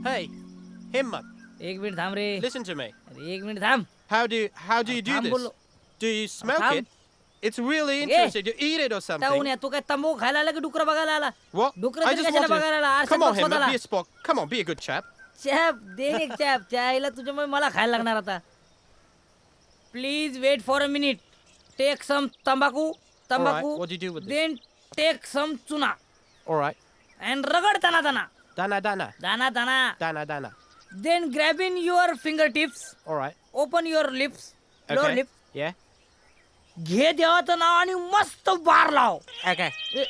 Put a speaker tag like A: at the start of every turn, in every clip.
A: Hey, Himmat,
B: एक minute थांब रे.
A: listen to me.
B: अरे एक मिनिट थांब.
A: How do you do
B: थांब
A: this?
B: बोललो.
A: Do you smoke
B: थांब.
A: it? It's really
B: Yeah.
A: interesting. Do you eat it or
B: town
A: something?
B: या तू काय तंबाखू खायला आला की डुकरं बघायला आला?
A: What?
B: डुकरं
A: I
B: तरी
A: just
B: कशाला
A: want
B: बघायला आला?
A: to.
B: आरशात
A: Come on,
B: बघ
A: Himmat,
B: स्वतःला.
A: be a sport. Come on, be a good chap.
B: Chap दे रे चॅप चायला तुझ्यामुळे मला खायला लागणार आता. Please wait for a minute. Take some तंबाखू.
A: What do you do with this?
B: Then take some चुना
A: All right.
B: अँड रगड दाना दाना
A: Dana, dana,
B: दाना दाना.
A: dana, dana.
B: Then grab in your fingertips.
A: All right.
B: Open your lips. Lower
A: Okay.
B: Lip.
A: Yeah.
B: घे देवाचं नाव आणि मस्त बार लाव.
A: Okay.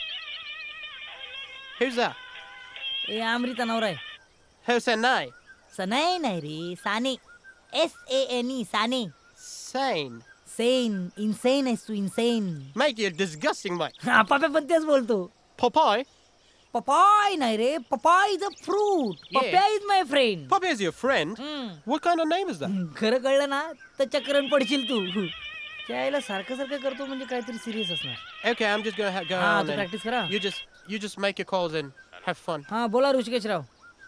A: Who's that?
B: ए अमृता नवरा आहे.
A: Who's that name?
B: सनाई नाही रे Sane. SANE Sane.
A: Sane.
B: Sane insane आहेस तू insane.
A: Mate, you're disgusting, mate.
B: पापा पण तेच बोलतो.
A: Popeye?
B: पपाय नाही रे papaya is a fruit. Pappya is my friend.
A: Popeye is your friend? What kind of name is that?
B: खरं कळलं ना तर चक्करण पडशील तू. त्याला सारखं सारखं करतो म्हणजे काहीतरी सिरियस असणार.
A: Okay, I'm just gonna go
B: हाँ,
A: on
B: तो
A: and
B: practice करा.
A: you just make your calls and have fun.
B: हा बोला ऋषिकेशराव.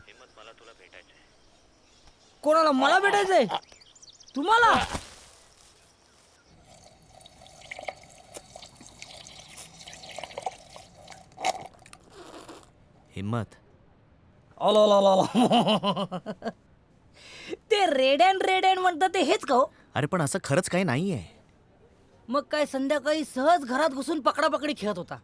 B: कोणाला मला भेटायचंय तुम्हाला.
C: हिम्मत.
B: ते रेड अँड म्हणतात ते हेच का हो?
C: अरे पण असं खरंच काही नाहीये.
B: मग काय संध्याकाळी सहज घरात घुसून पकडापकडी खेळत होता.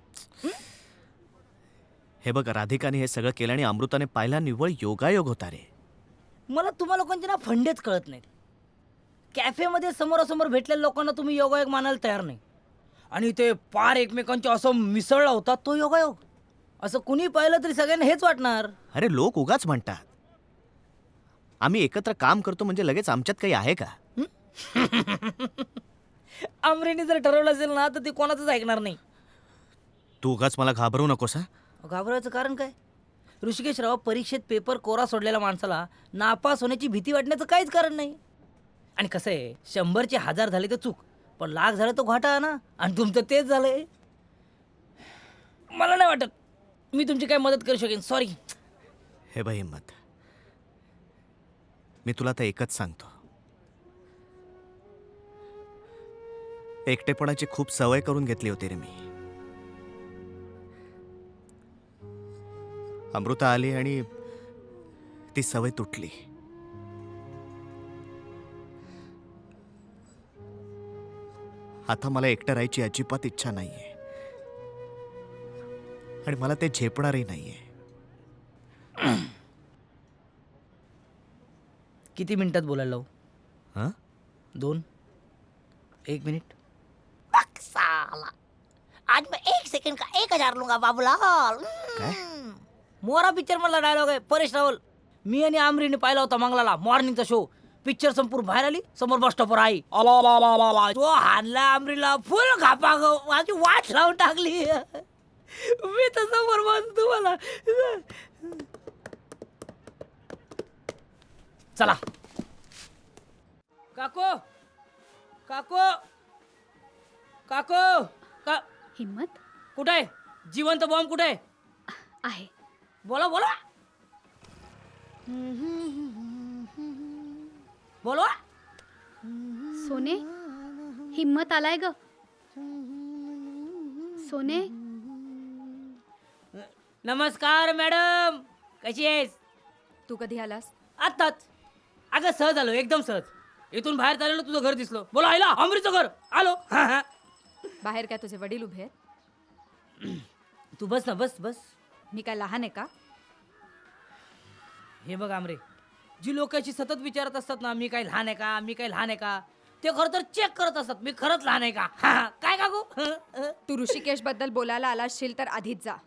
C: हे बघ राधिकाने हे सगळं केलं आणि अमृताने पाहिला निव्वळ योगायोग होता रे.
B: मला तुम्हा लोकांचे ना फंडेच कळत नाहीत. कॅफेमध्ये समोरासमोर भेटलेल्या लोकांना तुम्ही योगायोग मानायला तयार नाही आणि ते पार एकमेकांचे असं मिसळला होता तो योगायोग. असं कुणी पाहिलं तरी सगळ्यांना हेच वाटणार.
C: अरे लोक उगाच म्हणतात. आम्ही एकत्र काम करतो म्हणजे लगेच आमच्यात काही आहे का?
B: आमरेने जर ठरवलं असेल ना तर ती कोणाचंच ऐकणार नाही.
C: तू उगाच मला घाबरू नकोस हा.
B: घाबरायचं कारण काय? ऋषिकेशराव परीक्षेत पेपर कोरा सोडलेल्या माणसाला नापास होण्याची भीती वाटण्याचं काहीच कारण नाही. आणि कसं आहे 100चे 1000 झाले तर चूक पण लाख झालं तर घाटा ना. आणि तुमचं तेच झालंय. मला नाही वाटत मी तुमची काय मदत करू शकेन. सॉरी.
C: हे बघ हिम्मत, मी तुला तर एकच सांगतो. एकटेपणाची खूप सवय करून घेतली होती रे मी. अमृता आली आणि ती सवय तुटली. आता मला एकटं राहायची अजिबात इच्छा नाहीये आणि मला ते झेपणारही नाहीये.
B: किती मिनिटात बोलायला लावू?
C: हां
B: 2 1 मिनिट. साला आज मैं 1 सेकंड का 1000 लूंगा बाबूलाल.
C: काय?
B: मोरा पिक्चर मधला डायलॉग आहे. परेश रावल. मी आणि आमरीने पाहिला होता मंगलाला मॉर्निंगचा शो. पिक्चर संपूर्ण बाहेर आली समोर बस स्टॉपवर आई तो हानला आमरीला फुल घापा ग माझी वाट लावून टाकली. मी तर समोर बस तुम्हाला. चला काको काको काको का
D: हिम्मत
B: कुठे आहे? जिवंत बॉम्ब कुठे आहे?
D: आहे.
B: बोला बोला बोलवा.
D: सोने हिम्मत आलाय ग. सोने
B: नमस्कार मॅडम कशी आहेस?
D: तू कधी आलास?
B: आत्ताच. अगं सहज आलो एकदम सहज. इथून बाहेर चाललो तुझं घर दिसलं. बोला आईला अमृतचं घर आलो.
D: बाहेर काय तुझे वडील उभे आहेत?
B: तू बस ना बस बस.
D: मी काय लहान आहे का?
B: हे बघ आमरे जी लोक अशी सतत विचारत असतात ना मी काय लहान आहे का मी काय लहान आहे का ते खरं तर चेक करत असतात मी खरंच लहान आहे का. काय काकू?
D: तू ऋषिकेश बद्दल बोलायला आला असशील तर आधीच जा.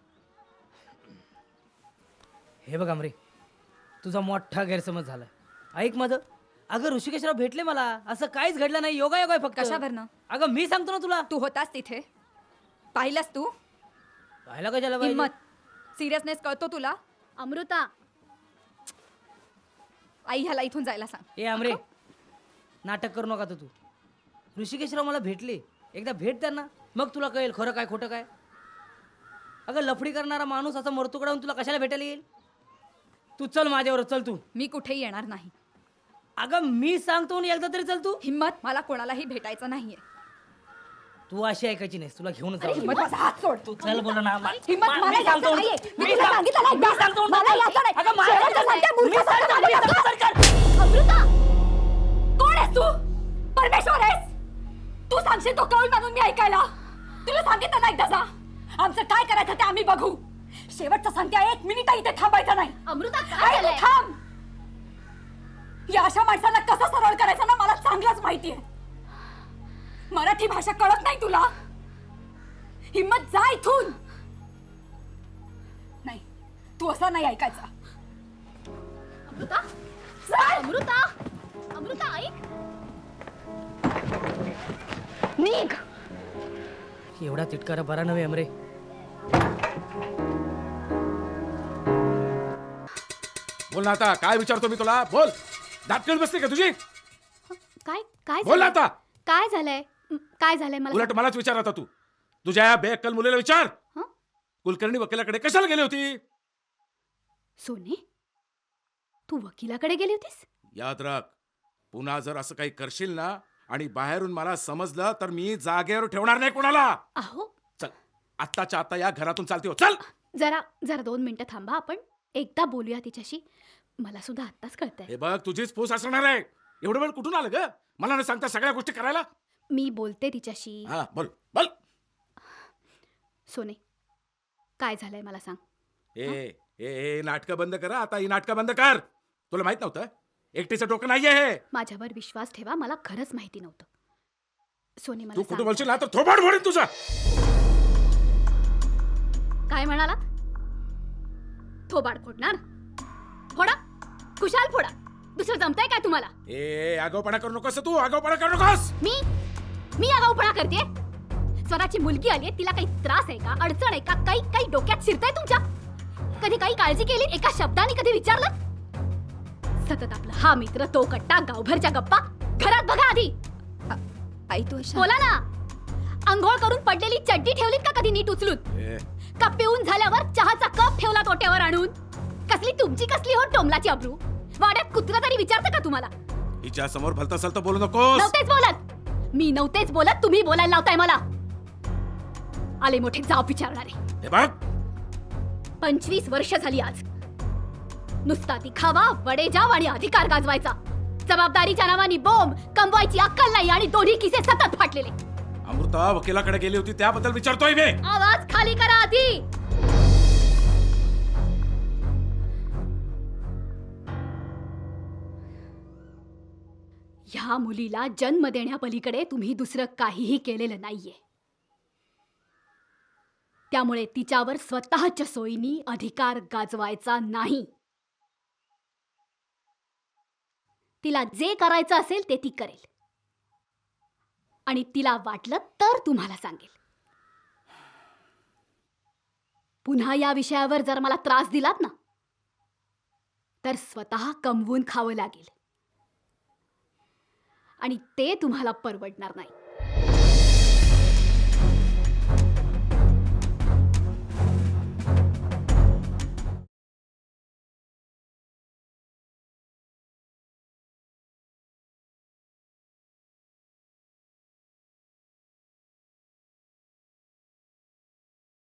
B: हे बघ आमरे तुझा मोठा गैरसमज झाला. ऐक माझं. अगं ऋषिकेशराव भेटले मला असं काहीच घडलं नाही. योगा आहे फक्त.
D: कशावरनं?
B: अगं मी सांगतो ना तुला.
D: तू होतास तिथे? पाहिलास तू?
B: पाहिला कशाला पाहिजे?
D: हिम्मत सिरियसनेस कळतो तुला? अमृता आई ह्याला इथून जायला सांग.
B: ए आमरे नाटक करू नका तू. ऋषिकेशराव मला भेटले. एकदा भेट त्यांना मग तुला कळेल खरं काय खोटं काय. अगं लफडी करणारा माणूस असा मरतुकडावून तुला कशाला भेटायला येईल? तू चल माझ्यावर चल तू.
D: मी कुठेही येणार नाही.
B: अगं मी सांगतो आणि एकदा तरी चल तू.
D: हिम्मत, मला कोणालाही भेटायचं नाहीये.
B: तू अशी ऐकायची नाहीस, तुला घेऊन
D: अरे हिम्मत, माझा हात सोड.
B: तू चल बोल ना.
D: हिम्मत, मला
B: मी सांगतो.
D: यायचं नाहीये. मी
B: मी
D: तुला
B: सांग-
D: सांगितलं नाही.
B: मी सांगतो.
D: मला यायचं नाही.
B: अगं मला
D: शेवटचं
B: यायचं
D: सांगते,
B: नाही.
D: मूर्ख
B: मी सांगतो.
D: सांगते,
B: मी सांगतो.
D: मूर्ख. अमृता, कोण आहेस तू? परमेश्वर आहेस? तू सांगशील तो कौल मानून मी ऐकायला? तुला सांगितलं नाही एकदा जा. आमचं काय करायचं ते आम्ही बघू. शेवटचं सांगते, 1 मिनिट इथे थांबायचं नाही. अमृता, काय झालंय? थांब. या अशा माणसाला कसं सरळ करायचं ना मला चांगलंच माहितीये. मराठी भाषा कळत नाही तुला? हिम्मत, जा इथून. नाही, तू असं नाही ऐकायचं. अमृता, अमृता, अमृता ऐक. निघ.
B: एवढा तिटकारा बरा नव्हे अमरे.
E: बोल ना आता, काय विचारतो मी तुला? बोल. दातकळ बसते का तुझी?
F: काय काय
E: बोल ना
F: झालंय?
E: आता.
F: काय झालंय? काय झालंय मला
E: उलट मलाच विचार आता तू. तुझ्या या बेअक्कल मुलीला विचार.
F: हं?
E: कुलकर्णी वकिलाकडे कशाला गेली होती?
F: सोने, तू वकिलाकडे गेली होतीस?
E: याद राख, पुन्हा जर असं काही करशील ना आणि बाहेरून मला समजलं तर मी जागेवर ठेवणार नाही कोणाला.
F: अहो,
E: चल, आत्ताच्या आता या घरातून चालते हो. चल.
F: जरा जरा 2 मिनिटं थांबा, आपण एकदा बोलूया तिच्याशी. मला सुद्धा आत्ताच कळतंय.
E: हे बघ, तुझीच फूस असणार आहे. एवढं वेळ कुठून आलं ग? मला न सांगता सगळ्या गोष्टी करायला.
F: मी बोलते तिच्याशी.
E: हा, बोल बोल.
F: सोने, काय झालंय मला सांग.
E: ए नाटकं बंद करा आता. ही नाटकं बंद कर. तुला माहित नव्हतं? एकटीचं डोकं नाहीये हे.
F: माझ्यावर विश्वास ठेवा, मला खरंच माहिती नव्हतं. सोने,
E: तू
F: मला
E: कुठं
F: सांग.
E: बोलशील ना तर थोबाड फोडीन तुझा.
F: काय म्हणाला? थोबाड फोडणार? फोडा, खुशाल फोडा. दुसरं जमतंय काय तुम्हाला?
E: आगाऊपणा करू नकोस तू. आगाऊपणा करू नकोस.
F: मी आगाऊपणा करते? स्वतःची मुलगी आली, तिला काही त्रास आहे का, अडचण आहे का, काही डोक्यात शिरतंय तुमच्या? कधी काही काळजी केली? एका शब्दाने कधी विचारलं? सतत आपला हा मित्र, तो कट्टा, गावभरच्या गप्पा. घरात बघा आधी.
D: आई तू अशा
F: बोला ना. अंघोळ करून पडलेली चड्डी ठेवलीत का कधी नीट उचलून? का पिऊन झाल्यावर चहाचा कप ठेवला तोट्यावर आणून? कसली तुमची कसली हो टोमलाची अब्रू. वाड्यात कुत्रा तरी विचारतं का तुम्हाला?
E: हिच्या समोर भलत असेल तर बोलू नकोस.
F: नव्हतेच बोलत. मी नव्हतेच बोलत, तुम्ही बोलायला लावताय मला. आले मोठे जाब विचारणारे.
E: हे बघ,
F: 25 वर्ष झाली आज. नुसता दिखावा, वडेजाव आणि अधिकार गाजवायचा. जबाबदारीच्या नावाने बोंब, कमवायची अक्कल नाही आणि दोन्ही किसे सतत फाटलेले.
E: अमृता वकिलाकडे गेली होती त्याबद्दल विचारतोय मी.
F: आवाज खाली करा आधी. ह्या मुलीला जन्म देण्यापलीकडे तुम्ही दुसरं काहीही केलेलं नाहीये. त्यामुळे तिच्यावर स्वतःच्या सोयीनी अधिकार गाजवायचा नाही. तिला जे करायचं असेल ते ती करेल. आणि तिला वाटलं तर तुम्हाला सांगेल. पुन्हा या विषयावर जर मला त्रास दिलात ना तर स्वतः कमवून खावं लागेल. आणि ते तुम्हाला परवडणार नाही.